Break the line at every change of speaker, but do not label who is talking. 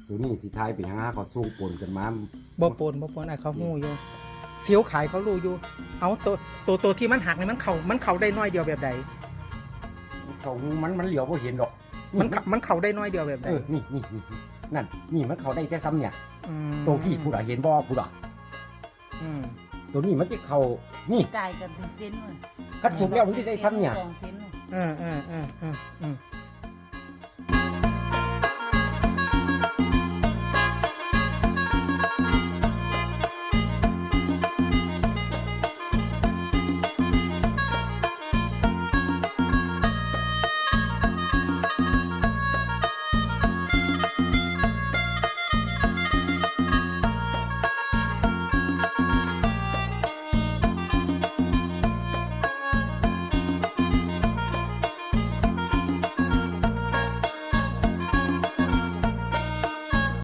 ตัวนี้สิทายเป็นหยังเขาส่งปนกันมา
บ่ปนไอ้เขาหู้อยู่เสียวขายเขารู้อยู่เอาตัวที่มันหักนี่มันเข่าได้น้อยเดียวแบบใด
เขามันเหลียวบ่เห็นดอก
มันเข่าได้น้อยเดียวแบบใด
นี่นั่นนี่มันเขาได้แต่ซ้ำเนี่ย
อืม
ตัวพี่ผู้ใดเห็นบ่ผู้ใด
อืม
ตัวนี้มันจะเขานี่
กายกันเป็นเส้นเลย
คัดสุกแล้วมันจะได้ซ้ำเนี่ย
2 เส้นเลย
เออ